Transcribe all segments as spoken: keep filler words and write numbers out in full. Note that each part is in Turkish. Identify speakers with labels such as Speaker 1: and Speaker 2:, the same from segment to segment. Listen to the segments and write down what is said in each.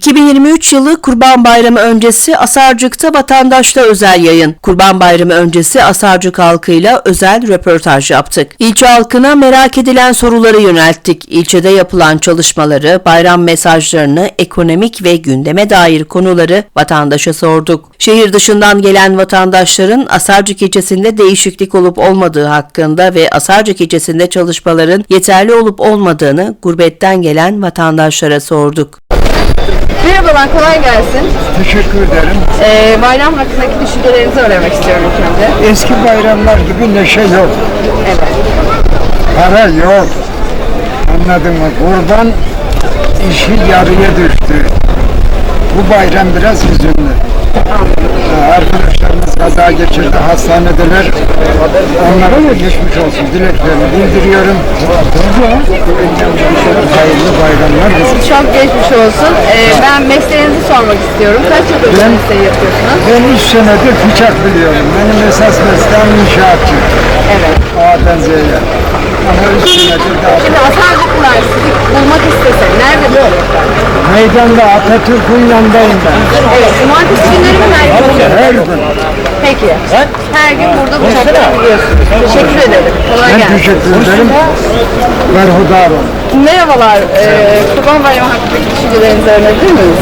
Speaker 1: iki bin yirmi üç yılı Kurban Bayramı öncesi Asarcık'ta vatandaşla özel yayın. Kurban Bayramı öncesi Asarcık halkıyla özel röportaj yaptık. İlçe halkına merak edilen soruları yönelttik. İlçede yapılan çalışmaları, bayram mesajlarını, ekonomik ve gündeme dair konuları vatandaşa sorduk. Şehir dışından gelen vatandaşların Asarcık ilçesinde değişiklik olup olmadığı hakkında ve Asarcık ilçesinde çalışmaların yeterli olup olmadığını gurbetten gelen vatandaşlara sorduk.
Speaker 2: Merhabalar, kolay gelsin.
Speaker 3: Teşekkür ederim.
Speaker 2: Ee, bayram hakkındaki düşüncelerinizi öğrenmek istiyorum ilk önce.
Speaker 3: Eski bayramlar gibi neşe yok.
Speaker 2: Evet.
Speaker 3: Para yok. Anladın mı? Kurban işi yarıya düştü. Bu bayram biraz hüzünlü. Ee, Arkadaşlarımız kaza geçirdi, hastanedeler. Onlara da geçmiş olsun dileklerini bildiriyorum. Hayırlı bayramlar.
Speaker 2: Çok geçmiş olsun. Ee, ben mesleğinizi sormak istiyorum. Kaç yıldır bu
Speaker 3: Ben-
Speaker 2: mesleği yapıyorsunuz?
Speaker 3: Ben üç senedir bıçak biliyorum. Benim esas mesleğim inşaatçı.
Speaker 2: Evet.
Speaker 3: A'dan Z'ye. Ama üç senedir daha
Speaker 2: Şimdi Asarcıklılar sizi bulmak istese nerede bulacaklar?
Speaker 3: meydanda Atatürk'ün yanındayım ben.
Speaker 2: Evet, cumartesi günleri mi her gün?
Speaker 3: Her gün.
Speaker 2: Peki. Her gün burada bıçakları buluyorsunuz. Teşekkür ederim. Kolay
Speaker 3: Ben
Speaker 2: gelsin.
Speaker 3: teşekkür ederim. Berhudar olun.
Speaker 2: Merhabalar. Ee, Kurban Bayramı hakkındaki düşüncelerinizi öğrenebilir miyiz?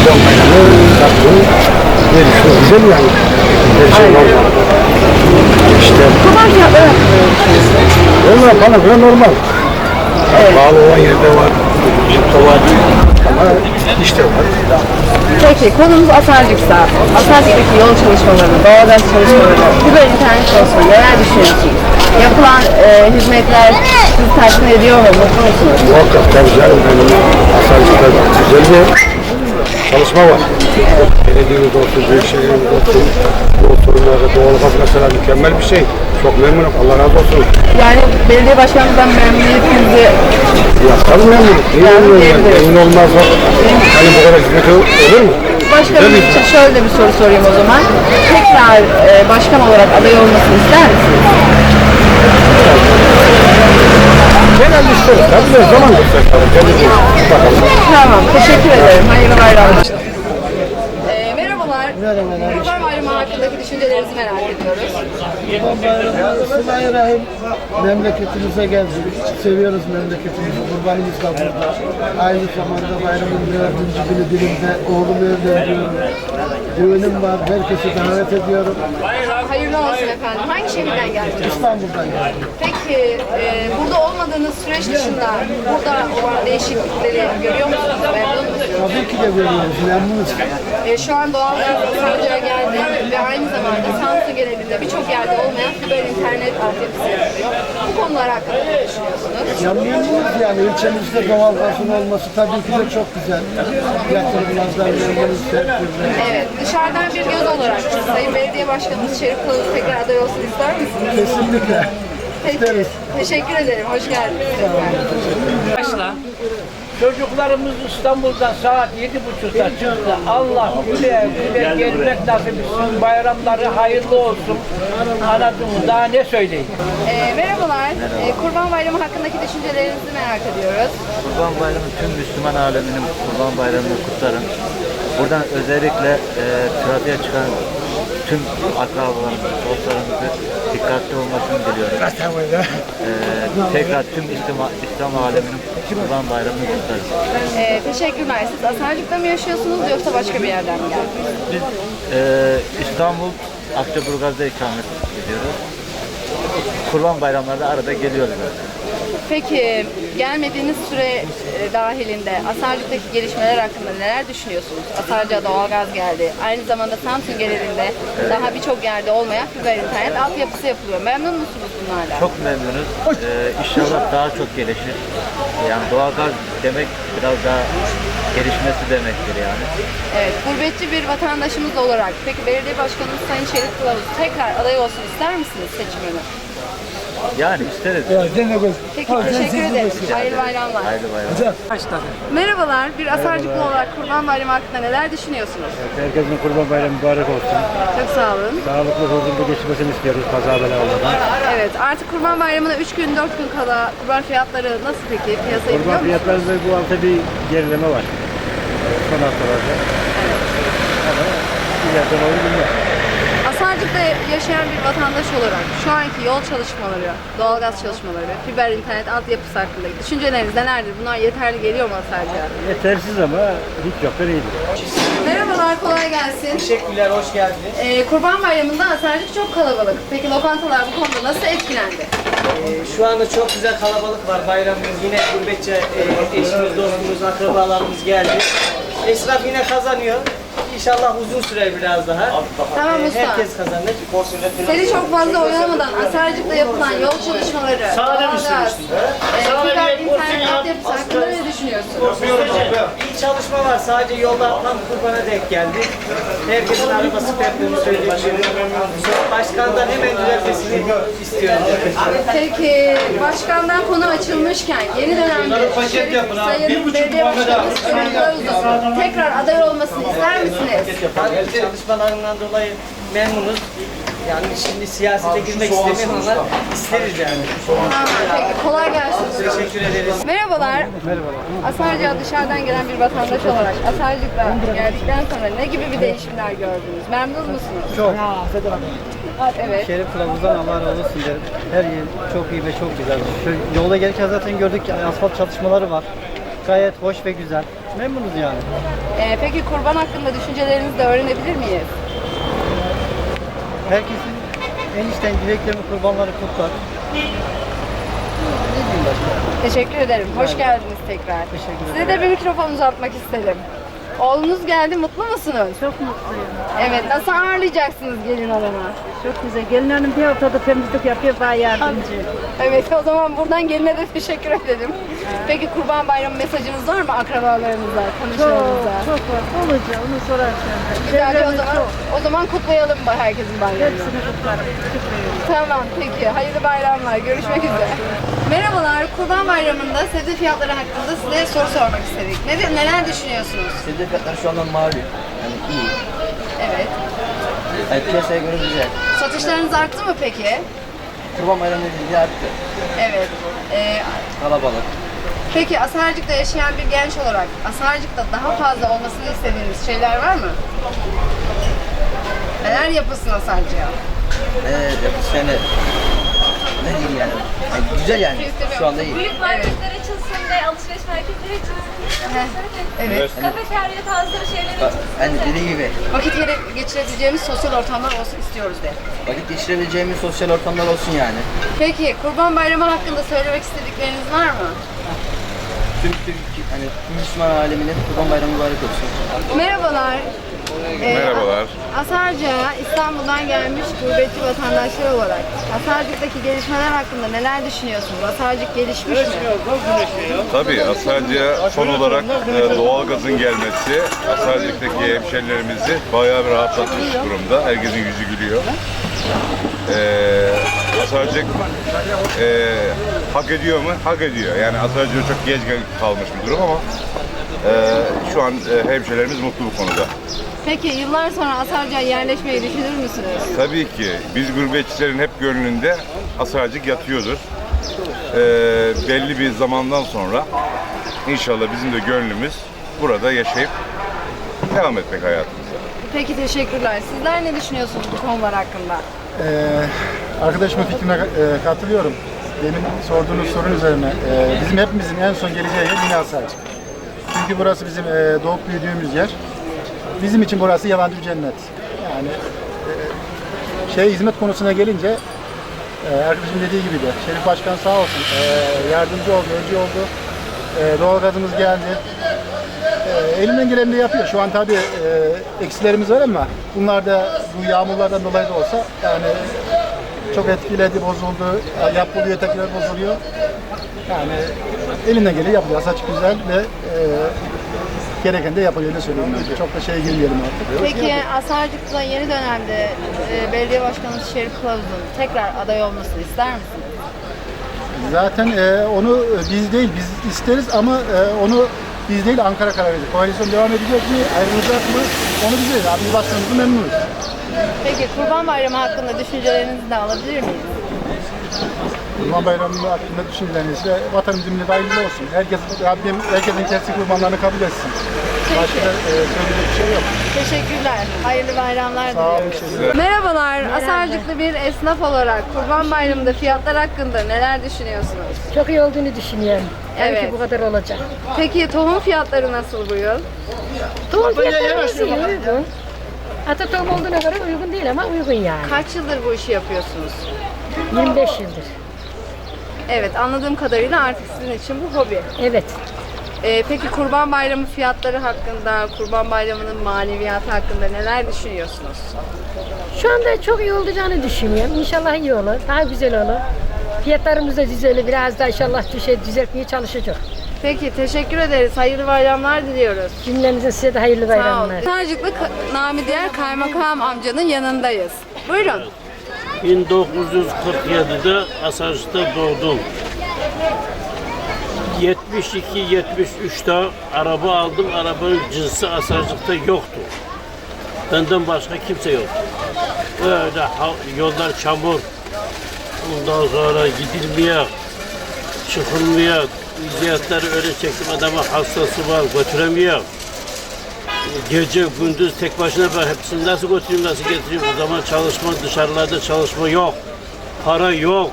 Speaker 3: Güzel yani.
Speaker 2: Aynen.
Speaker 3: İşte
Speaker 2: Kurban fiyatları hakkında ne düşünüyorsunuz?
Speaker 3: onlar bana göre normal. Pahalı olan yerde var. Ucuzda var. Ama işte var.
Speaker 2: Peki konumuz Asarcık'sa, Asarcık'taki yol çalışmaları, doğalgaz çalışmaları, fiber internet çalışmaları neler düşünüyorsunuz? Yapılan e, hizmetler sizi tatmin ediyor mu? Mutlu musunuz?
Speaker 3: Muhakkak tabii canım. Benim Asarcık'ta güzel bir çalışma var. Belediyemiz olsun, Büyükşehir'imiz olsun. Bu oturumlarda doğalgaz mesela mükemmel bir şey. Çok memnunum. Allah razı olsun.
Speaker 2: Yani belediye başkanımızdan memnuniyetinizi
Speaker 3: Ya tabii memnunum. Niye memnunum yani? Memnun olmazsa hani bu kadar hizmet olur mu?
Speaker 2: başkanım için şöyle bir soru sorayım o zaman. Tekrar e, başkan olarak aday olmasını ister misiniz?
Speaker 3: Genelde isteriz. Tabii de zaman gösterir. Kendisi bakalım.
Speaker 2: Tamam, teşekkür ederim. Hayırlı bayramlar. E, merhabalar.
Speaker 4: Merhabalar.
Speaker 2: Kurban Bayramı hakkındaki düşüncelerinizi merak ediyoruz.
Speaker 4: Kurban Bayramı, Bismillahirrahmanirrahim. Memleketimize geldik. Seviyoruz memleketimizi. Kurbanımız da burada. Aynı zamanda bayramın dördüncü günü dilimde oğlumu evlendiriyorum. Düğünüm var. Herkesi davet ediyorum.
Speaker 2: Hayırlı olsun efendim. Hangi şehirden geldiniz?
Speaker 4: İstanbul'dan geldim.
Speaker 2: Peki e, burada olmadığınız süreç dışında burada olan değişiklikleri görüyor musunuz? Memnun musunuz?
Speaker 4: Tabii ki de görüyoruz. Memnunuz.
Speaker 2: E, şu an doğalgaz Sancak'a geldi ve aynı zamanda Samsun genelinde birçok yerde olmayan fiber internet altyapısı yapılıyor. Bu konular hakkında ne düşünüyorsunuz?
Speaker 4: Ya memnunuz yani. İlçemizde doğal gazın olması tabii ki de çok güzel. Yatırımlardan memnunuz.
Speaker 2: Evet, dışarıdan bir göz olarak Sayın Belediye Başkanımız Şerif Kılavuz tekrar aday olsun ister misiniz?
Speaker 4: Kesinlikle.
Speaker 2: Peki,
Speaker 4: isteriz.
Speaker 2: teşekkür ederim. Hoş geldiniz.
Speaker 5: Başla. Çocuklarımız İstanbul'dan saat yedi buçukta çıktı. Allah güle güle gelmek nasip etsin. Bayramları hayırlı olsun. Anladın mı? Daha ne söyleyeyim?
Speaker 2: E, merhabalar. E, Kurban Bayramı hakkındaki düşüncelerinizi merak ediyoruz.
Speaker 6: Kurban Bayramı tüm Müslüman aleminin Kurban Bayramı'nı kutlarım. Buradan özellikle e, trafiğe çıkan tüm akrabalarımızı, dostlarımızı dikkatli olmasını diliyorum. E, tekrar tüm İslam, İslam aleminin Kurban Bayramı'nı kutlarım.
Speaker 2: E, teşekkürler. Siz Asarcık'ta mı yaşıyorsunuz yoksa başka bir yerden mi geldiniz?
Speaker 6: Biz e, İstanbul, Akçaburgaz'da ikamet ediyoruz. Kurban bayramlarda arada geliyoruz zaten.
Speaker 2: Peki gelmediğiniz süre e, dahilinde Asarcık'taki gelişmeler hakkında neler düşünüyorsunuz? Asarcık'a doğalgaz geldi. Aynı zamanda Samsun genelinde daha birçok yerde olmayan fiber internet altyapısı yapılıyor. Memnun musunuz bunlardan?
Speaker 6: Çok memnunuz. Ee, inşallah daha çok gelişir. Yani doğalgaz demek biraz daha gelişmesi demektir yani.
Speaker 2: Evet, gurbetçi bir vatandaşımız olarak peki belediye başkanımız Sayın Şerif Kılavuz tekrar aday olsun ister misiniz seçimini?
Speaker 6: Yani isteriz.
Speaker 2: Peki teşekkür ederim. Hayırlı bayramlar.
Speaker 6: Hayırlı bayramlar.
Speaker 2: Merhabalar, bir Asarcıklı olarak Kurban Bayramı hakkında neler düşünüyorsunuz?
Speaker 7: Herkesin Kurban Bayramı mübarek olsun.
Speaker 2: Çok sağ olun.
Speaker 7: Sağlıklı, huzurlu geçmesini istiyoruz kaza bela olmadan.
Speaker 2: Evet, artık Kurban Bayramı'na üç gün dört gün kala kurban fiyatları nasıl peki? Piyasayı biliyor
Speaker 7: Kurban
Speaker 2: musunuz?
Speaker 7: fiyatlarında bu hafta bir gerileme var. son haftalarda. Ama ileriden oyu bilmem.
Speaker 2: Asarcık'ta yaşayan bir vatandaş olarak şu anki yol çalışmaları, doğalgaz çalışmaları ve fiber internet altyapısı hakkındaki düşünceleriniz nelerdir? Bunlar yeterli geliyor mu Asarcık'a?
Speaker 7: Yetersiz ama hiç yoktan iyidir.
Speaker 2: Merhabalar, kolay gelsin.
Speaker 8: Teşekkürler, hoş geldiniz.
Speaker 2: Ee, Kurban Bayramı'nda Asarcık çok kalabalık. Peki lokantalar bu konuda nasıl etkilendi?
Speaker 8: Ee, şu anda çok güzel kalabalık var. Bayramımız yine gurbetçi e, eşimiz, dostumuz, akrabalarımız geldi. Esnaf yine kazanıyor. İnşallah uzun sürer biraz daha.
Speaker 2: Tamam
Speaker 8: Ee,
Speaker 2: usta.
Speaker 8: herkes kazanır.
Speaker 2: Seni çok fazla oyalamadan Asarcık'ta yapılan yol çalışmaları, doğalgaz, e, fiber internet altyapısı hakkında ne düşünüyorsun?
Speaker 8: İyi çalışma var. Sadece yollar tam kurbana denk geldi. Herkesin arabası fertlerini söyleyebilirim. Başkandan hemen düzeltmesini istiyorum.
Speaker 2: Peki başkandan konu açılmışken yeni dönemde Şerif, Sayın Belediye Başkanımız Şerif Kılavuz'un tekrar aday olmasını ister misiniz?
Speaker 8: Tabii çalışmalarından dolayı memnunuz. Yani şimdi siyasete girmek istemiyorum ama isteriz yani.
Speaker 2: Tamam, peki kolay gelsin.
Speaker 8: Teşekkür ederiz.
Speaker 2: Merhabalar. Merhabalar. Asarcık'a dışarıdan gelen bir vatandaş olarak Asarcık'ta geldikten sonra ne gibi bir değişimler gördünüz? Memnun musunuz?
Speaker 9: Çok.
Speaker 2: Evet.
Speaker 9: Şerif Kılavuz'dan Allah razı olsun derim. Her yer çok iyi ve çok güzel. Şu yolda gelirken zaten gördük ki asfalt çalışmaları var. Gayet hoş ve güzel. Memnunuz yani.
Speaker 2: Ee, peki kurban hakkında düşüncelerinizi de öğrenebilir miyiz?
Speaker 9: Herkesin en içten dileklerini, kurbanları kutlar. Ne diyeyim başka?
Speaker 2: Teşekkür ederim. Hoş geldiniz tekrar.
Speaker 9: Teşekkür
Speaker 2: Size de bir mikrofon uzatmak istedim. Oğlunuz geldi, mutlu musunuz?
Speaker 10: Çok mutluyum.
Speaker 2: Evet, nasıl ağırlayacaksınız gelin hanımı?
Speaker 10: Çok güzel. Gelin hanım bir haftada temizlik yapıyor, bana yardımcı.
Speaker 2: Evet, o zaman buradan geline de teşekkür edelim. Peki Kurban Bayramı mesajınız var mı akrabalarınıza,
Speaker 10: Çok,
Speaker 2: tanışlarınıza?
Speaker 10: çok var. Olacak, onu sorarsan.
Speaker 2: Güzel, o
Speaker 10: Çevremiz
Speaker 2: zaman,
Speaker 10: çok.
Speaker 2: o zaman kutlayalım ba- herkesin bayramını.
Speaker 10: Hepsini kutlarım. Kutluyorum.
Speaker 2: Tamam, peki. Hayırlı bayramlar. Görüşmek üzere. Merhabalar. Kurban Bayramı'nda sebze fiyatları hakkında size soru sormak istedik. Ne, neler düşünüyorsunuz?
Speaker 11: Sebze fiyatları şu anda malum. Yani iyi.
Speaker 2: Evet.
Speaker 11: Yani piyasaya göre güzel.
Speaker 2: Satışlarınız arttı mı peki?
Speaker 11: Kurban bayramı nedeniyle arttı.
Speaker 2: Evet. Ee,
Speaker 11: Kalabalık.
Speaker 2: peki Asarcık'ta yaşayan bir genç olarak Asarcık'ta daha fazla olmasını istediğiniz şeyler var mı? Neler yapılsın Asarcık'a?
Speaker 11: Evet, yapış yani. Ne diyeyim yani. yani. Güzel yani. Şu anda iyi.
Speaker 12: Büyük marketler açılsın ve alışveriş merkezleri açılsın.
Speaker 2: Evet.
Speaker 12: Kafeterya tarzı şeyler
Speaker 11: Bak,
Speaker 12: açılsın.
Speaker 11: hani dediği gibi
Speaker 2: Vakit gere- geçirebileceğimiz sosyal ortamlar olsun istiyoruz de.
Speaker 11: vakit geçirebileceğimiz sosyal ortamlar olsun yani.
Speaker 2: Peki Kurban Bayramı hakkında söylemek istedikleriniz var mı?
Speaker 11: Tüm Türk, hani tüm Müslüman aleminin Kurban bayramı mübarek olsun.
Speaker 2: Merhabalar. Ee,
Speaker 13: Merhabalar.
Speaker 2: Asarcık'a İstanbul'dan gelmiş gurbetçi vatandaşlar olarak Asarcık'taki gelişmeler hakkında neler düşünüyorsunuz? Asarcık gelişmiş mi?
Speaker 13: Tabii Asarcık'a son olarak e, doğalgazın gelmesi Asarcık'taki hemşerilerimizi bayağı bir rahatlatmış durumda. Herkesin yüzü gülüyor. Ee, Asarcık e, hak ediyor mu? Hak ediyor. Yani Asarcık'a çok geç kalmış bir durum ama e, şu an e, hemşerilerimiz mutlu bu konuda.
Speaker 2: Peki yıllar sonra Asarcık'a yerleşmeyi düşünür müsünüz?
Speaker 13: Tabii ki biz gurbetçilerin hep gönlünde Asarcık yatıyordur. Ee, belli bir zamandan sonra inşallah bizim de gönlümüz burada yaşayıp devam etmek hayatımıza.
Speaker 2: Peki teşekkürler. Sizler ne düşünüyorsunuz bu konular hakkında?
Speaker 7: Ee, arkadaşımın fikrine e, katılıyorum. Demin sorduğunuz sorun üzerine. e, bizim hepimizin en son geleceği yer yine Asarcık. Çünkü burası bizim e, doğup büyüdüğümüz yer. Bizim için burası yabancı bir cennet. Yani e, şey hizmet konusuna gelince e, arkadaşım dediği gibi de Şerif Başkan sağ olsun e, yardımcı oldu, öncü oldu. E, doğalgazımız geldi. E, elinden geleni de yapıyor. Şu an tabii e, eksilerimiz var ama bunlar da bu yağmurlardan dolayı da olsa yani çok etkiledi, bozuldu. Yapılıyor, tekrar bozuluyor. Yani elinden geleni yapıyor. Saç güzel ve e, gereken de yapılıyor, öyle söyleyeyim ben. Çok da şeye girmeyelim artık.
Speaker 2: Peki Asarcık'ta yeni dönemde e, belediye başkanımız Şerif Kılavuz'un tekrar aday olmasını ister misiniz?
Speaker 7: Zaten e, onu biz değil, biz isteriz ama e, onu biz değil Ankara karar verecek. Koalisyon devam edecek mi, ayrılacak mı? Onu biz değil. Abi başkanımızı memnunuz.
Speaker 2: Peki Kurban Bayramı hakkında düşüncelerinizi de alabilir miyiz?
Speaker 7: Kurban Bayramı hakkında düşünceleriniz ise vatanımızın milli hayırlı olsun. Herkes, Rabbim herkesin kendi kurbanlarını kabul etsin. Başka da e, söyleyecek bir şey yok.
Speaker 2: Teşekkürler. Hayırlı bayramlar
Speaker 7: Sağ olun.
Speaker 2: diliyoruz. Merhabalar. Asarcıklı bir esnaf olarak Kurban Bayramı'nda fiyatlar hakkında neler düşünüyorsunuz?
Speaker 10: Çok iyi olduğunu düşünüyorum.
Speaker 2: Evet.
Speaker 10: Evet. Bu kadar olacak.
Speaker 2: Peki tohum fiyatları nasıl bu yıl?
Speaker 10: Tohum fiyatları iyi, uygun. Hatta tohum olduğuna göre uygun değil ama uygun yani.
Speaker 2: Kaç yıldır bu işi yapıyorsunuz?
Speaker 10: yirmi beş yıldır.
Speaker 2: Evet, anladığım kadarıyla artık sizin için bu hobi.
Speaker 10: Evet.
Speaker 2: Ee, peki Kurban Bayramı fiyatları hakkında, Kurban Bayramı'nın maneviyatı hakkında neler düşünüyorsunuz?
Speaker 10: Şu anda çok iyi olacağını düşünüyorum. İnşallah iyi olur. Daha güzel olur. Fiyatlarımız da düzelir. Biraz da inşallah düşe, düzeltmeye çalışacak.
Speaker 2: Peki, teşekkür ederiz. Hayırlı bayramlar diliyoruz.
Speaker 10: Cümlenize size de hayırlı bayramlar.
Speaker 2: Sarcıklı Nami Diğer Kaymakam amcanın yanındayız. Buyurun.
Speaker 14: bin dokuz yüz kırk yedi'de Asarcık'ta doğdum. yetmiş iki yetmiş üç'te araba aldım. Arabanın cinsi Asarcık'ta yoktu. Benden başka kimse yoktu. Böyle yollar çamur. Ondan sonra gidilmeye, çıkılmaya, ziyaretleri öyle çektim. Adamın hastası var, götüremiyor. Gece, gündüz tek başına ben hepsini nasıl götüreyim, nasıl getireyim? O zaman çalışma, dışarılarda çalışma yok. Para yok.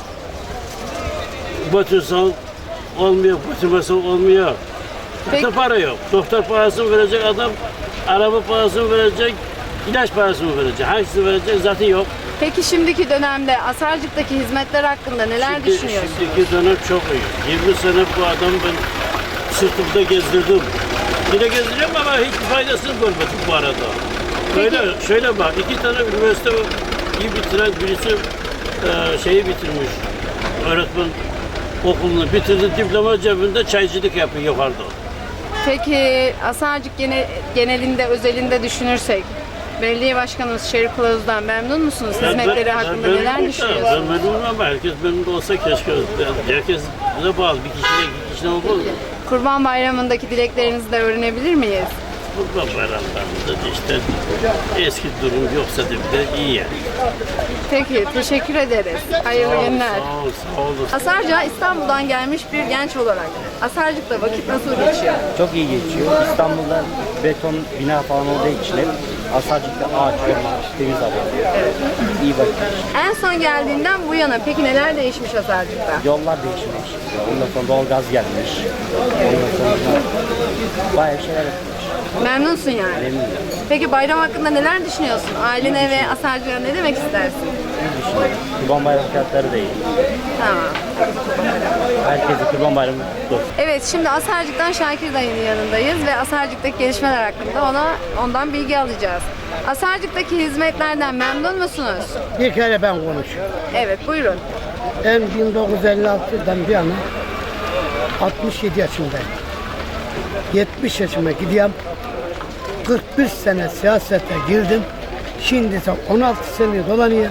Speaker 14: Götürsen olmuyor, götürmesen olmuyor. Doktor para yok. Doktor parasını verecek adam, araba parasını verecek, ilaç parasını verecek. Hangisini verecek zaten yok.
Speaker 2: Peki şimdiki dönemde Asarcık'taki hizmetler hakkında neler
Speaker 14: Şimdi,
Speaker 2: düşünüyorsunuz?
Speaker 14: şimdiki dönem çok iyi. yirmi sene bu adam ben sırtımda gezdirdim. Yine gezdiriyorum ama hiçbir faydasını görmedim bu arada. Böyle, şöyle bak, iki tane üniversite iyi bitiren birisi e, şeyi bitirmiş. Öğretmen okulunu bitirdi, diploma cebinde çaycılık yapıyor yukarıda.
Speaker 2: Peki Asarcık gene, genelinde, özelinde düşünürsek, Belediye Başkanımız Şerif Kılavuz'dan memnun musunuz? Hizmetleri hakkında neler düşünüyorsunuz?
Speaker 14: Ben memnunum ama herkes memnun olsa keşke. Herkes bize bağlı. Bir kişiyle iki kişiden olmaz mı?
Speaker 2: Kurban Bayramı'ndaki dileklerinizi de öğrenebilir miyiz?
Speaker 14: Kurban bayramlarında işte eski durum yoksa da bir de iyi yani.
Speaker 2: Peki, teşekkür ederiz. Hayırlı günler.
Speaker 14: Sağ ol, sağ olun.
Speaker 2: Asarcık'a İstanbul'dan gelmiş bir genç olarak Asarcık'ta vakit nasıl geçiyor?
Speaker 9: Çok iyi geçiyor. İstanbul'da beton bina falan olduğu için hep Asarcık'ta ağaç, temiz hava. Evet. İyi vakit geçiyor.
Speaker 2: En son geldiğinden bu yana peki neler değişmiş Asarcık'ta?
Speaker 9: Yollar değişmiş. Ondan sonra doğalgaz gelmiş. Ondan sonra bayağı şeyler yapmış.
Speaker 2: Memnunsun yani.
Speaker 9: Memnunum.
Speaker 2: Peki bayram hakkında neler düşünüyorsun? Ailene ve Asarcık'a ne demek istersin?
Speaker 9: İyi düşünüyorum. Kurban bayramı fiyatları da iyi.
Speaker 2: Tamam.
Speaker 9: Herkese kurban bayramı kutlu olsun.
Speaker 2: Evet, şimdi Asarcık'tan Şakir dayının yanındayız ve Asarcık'taki gelişmeler hakkında ona ondan bilgi alacağız. Asarcık'taki hizmetlerden memnun musunuz?
Speaker 4: Bir kere ben konuşuyorum.
Speaker 2: Evet, buyurun.
Speaker 4: Ben bin dokuz yüz elli altı'dan bir yana altmış yedi yaşındayım. yetmiş yaşıma gidiyorum. kırk bir sene siyasete girdim. Şimdi ise on altı sene dolanıyor.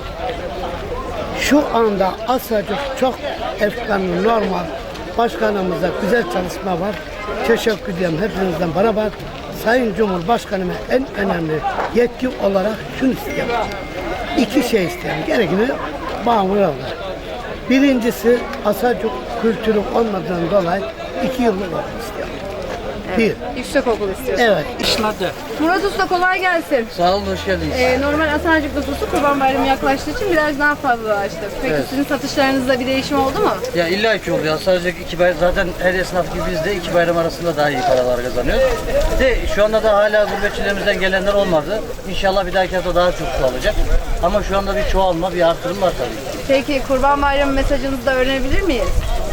Speaker 4: Şu anda Asarcık çok efkanlı, normal. Başkanımızda güzel çalışma var. Teşekkür ediyorum hepinizden beraber. Sayın Cumhurbaşkanıma en önemli yetki olarak şunu istiyorum. İki şey istiyorum. Gerekini bağımlı olur. Birincisi Asarcık kültürü olmadığından dolayı iki yıllık olmak istiyorum.
Speaker 2: Evet.
Speaker 4: Bir.
Speaker 2: Yüksek okul istiyorsun.
Speaker 4: Evet.
Speaker 2: İşladı. Murat Usta kolay gelsin.
Speaker 11: Sağ olun, hoş geldiniz.
Speaker 2: Ee, normal Asarcık nüfusu Kurban Bayramı yaklaştığı için biraz daha fazlalaştı. Peki
Speaker 11: Evet.
Speaker 2: sizin satışlarınızda bir değişim oldu mu?
Speaker 11: Ya illa ki oluyor. Sadece iki bayram, zaten her esnaf gibi biz de iki bayram arasında daha iyi paralar kazanıyoruz. De şu anda da hala gurbetçilerimizden gelenler olmadı. İnşallah bir dahaki hafta daha çok çoğalacak. Ama şu anda bir çoğalma, bir artırım var tabii.
Speaker 2: Peki Kurban Bayramı mesajınızı da öğrenebilir miyiz?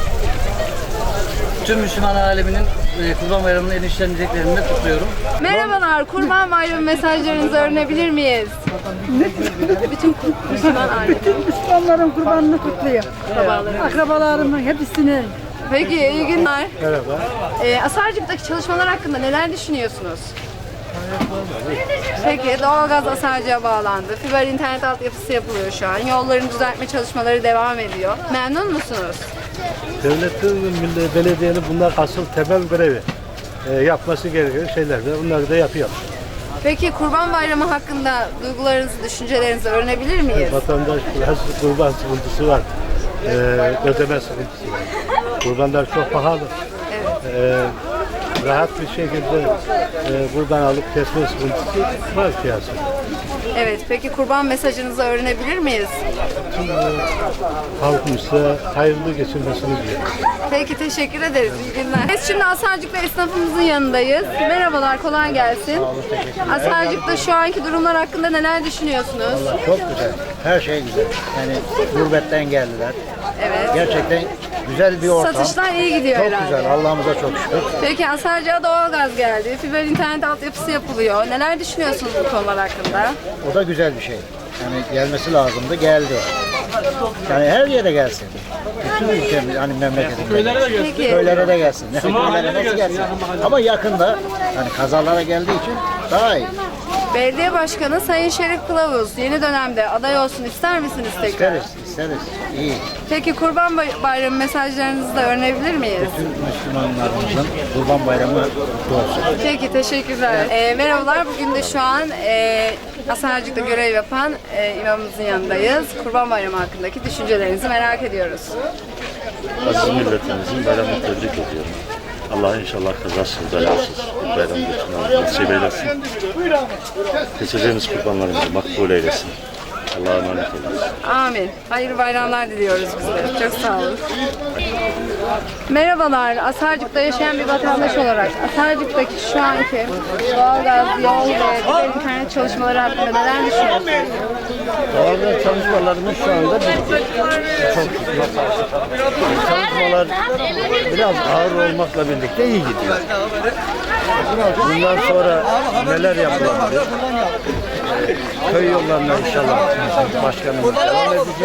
Speaker 11: Tüm Müslüman aleminin e, Kurban Bayramı'nın en içten dileklerini de kutluyorum.
Speaker 2: Merhabalar, Kurban Bayramı mesajlarınızı öğrenebilir miyiz? Bütün Müslüman alemi.
Speaker 10: Bütün Müslümanların kurbanını kutluyor.
Speaker 2: Akrabalarım.
Speaker 10: Akrabalarımın hepsini.
Speaker 2: Peki, iyi günler.
Speaker 7: Merhaba.
Speaker 2: Ee, Asarcık'taki çalışmalar hakkında neler düşünüyorsunuz? Peki, doğalgaz Asarcık'a bağlandı. Fiber internet altyapısı yapılıyor şu an. Yolların düzeltme çalışmaları devam ediyor. Memnun musunuz?
Speaker 15: Devletin, belediyenin bunlar asıl temel görevi. E, yapması gereken şeyler de bunları da yapıyor.
Speaker 2: Peki Kurban Bayramı hakkında duygularınızı, düşüncelerinizi öğrenebilir miyiz?
Speaker 15: Vatandaş biraz kurban sıkıntısı var. E, ödeme sıkıntısı var. Kurbanlar çok pahalı.
Speaker 2: Evet.
Speaker 15: E, rahat bir şekilde e, kurban alıp kesme sıkıntısı var piyasada.
Speaker 2: Evet, peki kurban mesajınızı öğrenebilir miyiz?
Speaker 15: Tüm e, halkımıza hayırlı geçirmesini diliyorum.
Speaker 2: Peki, teşekkür ederiz. İyi günler. Biz şimdi Asarcık'ta esnafımızın yanındayız. Merhabalar, kolay gelsin. Asarcık'ta şu anki durumlar hakkında neler düşünüyorsunuz?
Speaker 16: Vallahi çok güzel. Her şey güzel. Yani gurbetten geldiler.
Speaker 2: Evet.
Speaker 16: Gerçekten güzel bir ortam.
Speaker 2: Satışlar iyi gidiyor
Speaker 16: çok
Speaker 2: herhalde.
Speaker 16: Çok güzel. Allah'ımıza çok şükür.
Speaker 2: Peki Asarcık'a doğalgaz geldi. Fiber internet altyapısı yapılıyor. Neler düşünüyorsunuz bu konular hakkında?
Speaker 16: O da güzel bir şey. Yani gelmesi lazımdı. Geldi. Yani her yere gelsin. Bütün ülkemiz, hani memleketimizde.
Speaker 2: Peki.
Speaker 16: Köylere de gelsin. Köylere nasıl gelsin? Ama yakında, hani kazalara geldiği için daha iyi.
Speaker 2: Belediye Başkanı Sayın Şerif Kılavuz yeni dönemde aday olsun ister misiniz tekrar?
Speaker 16: İsteriz, isteriz. İyi.
Speaker 2: Peki Kurban Bay- Bayramı mesajlarınızı da öğrenebilir miyiz?
Speaker 16: Bütün Müslümanlarımızın Kurban Bayramı kutlu olsun.
Speaker 2: Peki, teşekkürler. Ee, merhabalar, bugün de şu an e, Asarcık'ta görev yapan e, imamımızın yanındayız. Kurban Bayramı hakkındaki düşüncelerinizi merak ediyoruz.
Speaker 17: Aziz milletimizin bayramını tebrik ediyorum. Allah inşallah kazasız belasız bayram geçirmeyi nasip eylesin. Keseceğimiz kurbanlarımızı makbul eylesin. Allah'a emanet olun.
Speaker 2: Amin. Hayırlı bayramlar diliyoruz bizlere. Çok sağ olun. Merhabalar. Asarcık'ta yaşayan bir vatandaş olarak Asarcık'taki şu anki doğalgaz, yol ve diğer internet çalışmaları hakkında neler düşünüyorsunuz?
Speaker 16: Doğalgaz çalışmalarımız şu anda bitti. Çok çalışmalar biraz ağır olmakla birlikte iyi gidiyor. Bundan sonra neler yapılabilir? Köy yollarına inşallah başkanımız devam edecek.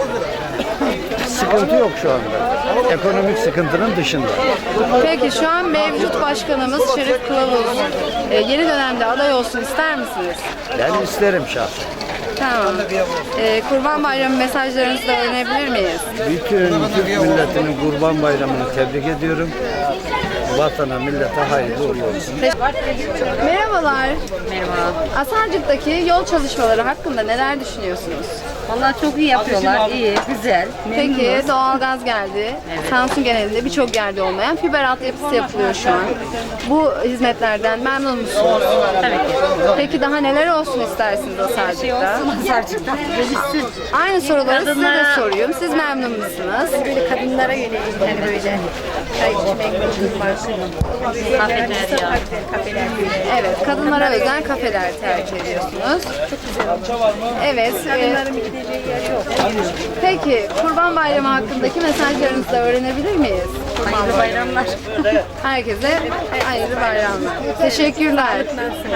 Speaker 16: Sıkıntı yok şu anda. Ekonomik sıkıntının dışında.
Speaker 2: Peki şu an mevcut başkanımız Şerif Kılavuz e, yeni dönemde aday olsun ister misiniz?
Speaker 16: Ben isterim şahsen.
Speaker 2: Tamam. E, Kurban Bayramı mesajlarınızı da öğrenebilir miyiz?
Speaker 16: Bütün Türk milletinin Kurban Bayramı'nı tebrik ediyorum. Vatana, millete hayırlı uğurlu olsun.
Speaker 2: Merhabalar. Merhaba. Asarcık'taki yol çalışmaları hakkında neler düşünüyorsunuz?
Speaker 18: Vallahi çok iyi yapıyorlar, iyi, güzel.
Speaker 2: Peki
Speaker 18: memnunuz.
Speaker 2: doğalgaz geldi. Samsun genelinde birçok yerde olmayan fiber altyapısı yapılıyor şu an. Bu hizmetlerden memnun musunuz?
Speaker 18: Tabii ki.
Speaker 2: Peki daha neler olsun istersiniz Asarcık'ta?
Speaker 18: Asarcık'ta. Gelişsin.
Speaker 2: Aynı soruları size de
Speaker 18: Kadınlara-
Speaker 2: sorayım. Siz memnun musunuz?
Speaker 18: Böyle kadınlara yönelik hani böyle çay içmek, oturmak, kafeler ya. Kafeler böyle.
Speaker 2: Evet, kadınlara özel kafeler tercih ediyorsunuz. Çok güzel. Evet.
Speaker 18: Kadınların
Speaker 2: e,
Speaker 18: gideceği yer yok.
Speaker 2: Peki, Kurban Bayramı hakkındaki mesajlarınızı da öğrenebilir miyiz?
Speaker 18: Hayırlı bayramlar.
Speaker 2: Herkese hayırlı bayramlar. Teşekkürler.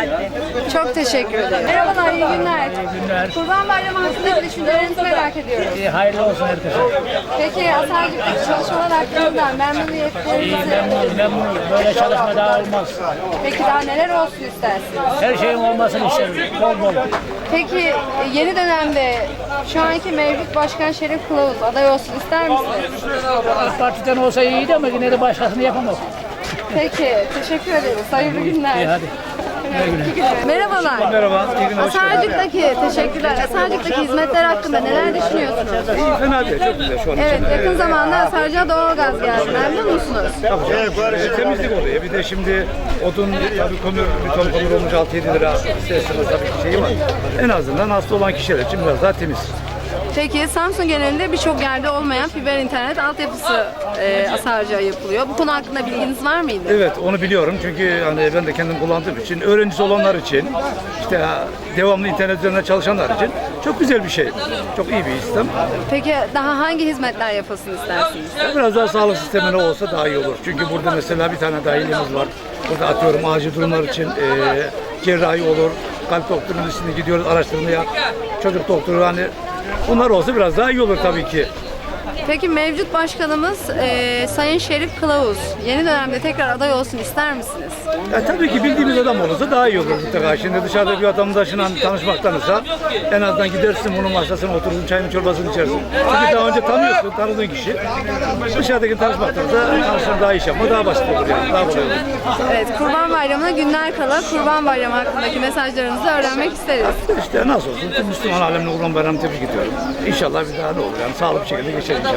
Speaker 2: Çok teşekkür ederim. Merhabalar, iyi günler.
Speaker 5: İyi günler.
Speaker 2: Kurban Bayramı hakkındaki düşüncelerinizi merak ediyorum.
Speaker 5: İyi, hayırlı olsun herkese.
Speaker 2: Peki, Asarcık'taki çalışmalar hakkında
Speaker 5: İyi,
Speaker 2: memnuniyetlerinizi...
Speaker 5: memnunum, memnunum. Böyle çalışma daha olmaz.
Speaker 2: Peki daha neler olsun istersiniz?
Speaker 5: Her şeyin olmasını isterim. Bol bol.
Speaker 2: Peki e, yeni dönemde şu anki mevcut başkan Şerif Kılavuz aday olsun ister misiniz?
Speaker 5: AK Parti'den olsa iyiydi ama yine de başkasını yapamaz.
Speaker 2: Peki, teşekkür ederiz. Hayırlı günler.
Speaker 5: İyi, hadi.
Speaker 2: Merhabalar.
Speaker 19: Merhaba, iyi günler, hoş geldiniz.
Speaker 2: Asarcık'taki, teşekkürler. Asarcık'taki hizmetler hakkında neler düşünüyorsunuz?
Speaker 19: İyi, fena değil, çok güzel şu an
Speaker 2: Evet,
Speaker 19: için.
Speaker 2: yakın zamanda Asarcık'a doğalgaz geldi. Memnun musunuz?
Speaker 19: Evet, temizlik oluyor. Bir de şimdi odun, tabii kömür, bir ton kömür olmuş altı yedi lira. İsterseniz tabii ki şeyi var. En azından hasta olan kişiler için biraz daha temiz.
Speaker 2: Peki Samsun genelinde birçok yerde olmayan fiber internet altyapısı e, Asarcık'a yapılıyor. Bu konu hakkında bilginiz var mıydı?
Speaker 19: Evet, onu biliyorum çünkü hani ben de kendim kullandığım için, öğrencisi olanlar için, işte devamlı internet üzerinden çalışanlar için çok güzel bir şey. Çok iyi bir sistem.
Speaker 2: Peki daha hangi hizmetler yapılsın istersiniz?
Speaker 19: Biraz daha sağlık sistemine olsa daha iyi olur. Çünkü burada mesela bir tane dahilimiz var. Burada atıyorum acil durumlar için e, cerrahi olur, kalp doktorunun üstüne gidiyoruz araştırmaya, çocuk doktoru hani bunlar olsa biraz daha iyi olur tabii ki.
Speaker 2: Peki mevcut başkanımız e, Sayın Şerif Kılavuz yeni dönemde tekrar aday olsun ister misiniz?
Speaker 19: Ya tabii ki bildiğimiz adam olursa daha iyi olur mutlaka. Şimdi dışarıda bir vatandaşla tanışmaktansa en azından gidersin bunun masasına oturursun, çayını çorbasını içersin. Çünkü daha önce tanıyorsun, tanıdığın kişi. Dışarıdaki tanışmaktansa tanışan daha iş yapma daha basit olur yani, daha kolay olur.
Speaker 2: Evet, Kurban Bayramı'na günler kala Kurban Bayramı hakkındaki mesajlarınızı öğrenmek isteriz.
Speaker 19: İşte nasıl olsun, tüm Müslüman alemine Kurban Bayramı'nı tebrik ediyorum. İnşallah bir daha ne olur yani sağlıklı bir şekilde geçer inşallah.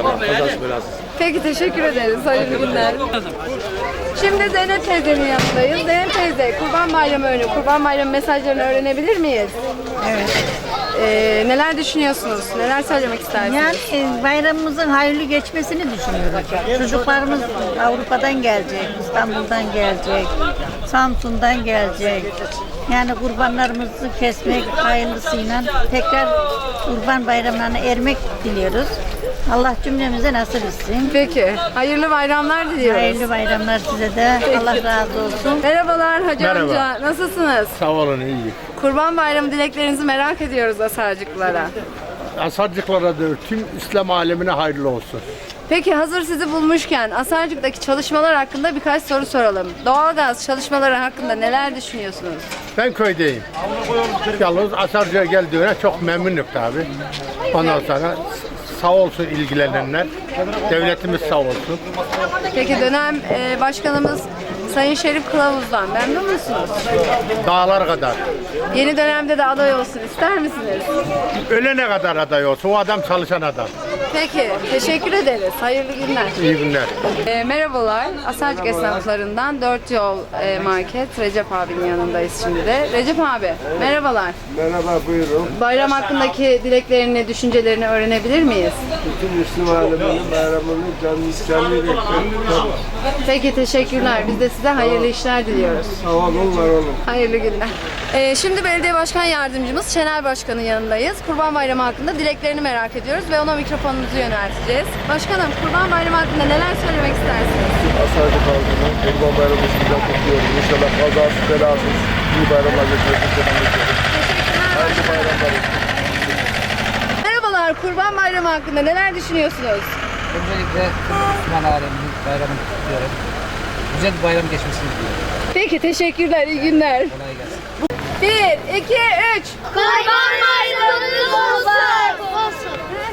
Speaker 15: inşallah. Kazası belasız.
Speaker 2: Peki teşekkür ederiz. Hayırlı günler. Şimdi Zeynep teyzenin yanındayız. Zeynep teyze, Kurban Bayramı önü, Kurban Bayramı mesajlarını öğrenebilir miyiz?
Speaker 18: Evet.
Speaker 2: Ee, neler düşünüyorsunuz? Neler söylemek istersiniz?
Speaker 18: Yani e, bayramımızın hayırlı geçmesini düşünüyoruz. Çocuklarımız Avrupa'dan gelecek, İstanbul'dan gelecek, Samsun'dan gelecek. Yani kurbanlarımızı kesmek hayırlısıyla tekrar Kurban Bayramlarına ermek diliyoruz. Allah cümlemize nasip etsin.
Speaker 2: Peki. Hayırlı bayramlar diliyoruz.
Speaker 18: Hayırlı bayramlar size de. Allah razı olsun.
Speaker 2: Merhabalar Hacı
Speaker 15: Merhaba.
Speaker 2: amca. Nasılsınız?
Speaker 15: Sağ olun, iyi.
Speaker 2: Kurban Bayramı dileklerinizi merak ediyoruz Asarcıklara.
Speaker 15: Asarcıklara da tüm İslam alemine hayırlı olsun.
Speaker 2: Peki hazır sizi bulmuşken Asarcık'taki çalışmalar hakkında birkaç soru soralım. Doğalgaz çalışmaları hakkında neler düşünüyorsunuz?
Speaker 15: Ben köydeyim. Yalnız Asarcık'a geldiğine çok memnunum tabi. Ondan sonra sağ olsun ilgilenenler. Devletimiz sağ olsun.
Speaker 2: Peki dönem e, başkanımız Sayın Şerif Kılavuz'dan memnun musunuz?
Speaker 15: Dağlar kadar.
Speaker 2: Yeni dönemde de aday olsun ister misiniz?
Speaker 15: Ölene kadar aday olsun. O adam çalışan adam.
Speaker 2: Peki, teşekkür ederiz. Hayırlı günler.
Speaker 15: İyi günler.
Speaker 2: E, merhabalar, Asarcık esnaflarından Dört Yol e, Market, Recep abinin yanındayız şimdi de. Recep abi, merhabalar.
Speaker 20: Merhaba, buyurun.
Speaker 2: Bayram hakkındaki dileklerini, düşüncelerini öğrenebilir miyiz?
Speaker 20: Bütün Müslüman aleminin bayramını canlı canlı bekliyoruz.
Speaker 2: Peki, teşekkürler. Biz de size hayırlı işler diliyoruz.
Speaker 20: Sağ olun, var olun.
Speaker 2: Hayırlı günler. Ee, şimdi belediye başkan yardımcımız Şener Başkan'ın yanındayız. Kurban Bayramı hakkında dileklerini merak ediyoruz ve ona mikrofonumuzu yönelteceğiz. Başkanım, Kurban Bayramı hakkında neler söylemek istersiniz?
Speaker 20: Asarcık halkının Kurban Bayramı şimdiden kutluyoruz. İnşallah kazasız belasız iyi bayramlar geçirmesini diliyoruz. Hayırlı bayramlar.
Speaker 2: Merhabalar, Kurban Bayramı hakkında neler düşünüyorsunuz?
Speaker 21: Öncelikle Müslüman aleminin bayramını kutluyorum. Güzel bir bayram geçmesini diliyorum.
Speaker 2: Peki, teşekkürler, iyi günler.
Speaker 21: Kolay gelsin.
Speaker 2: Bir, iki, üç.
Speaker 12: Kurban Bayramı!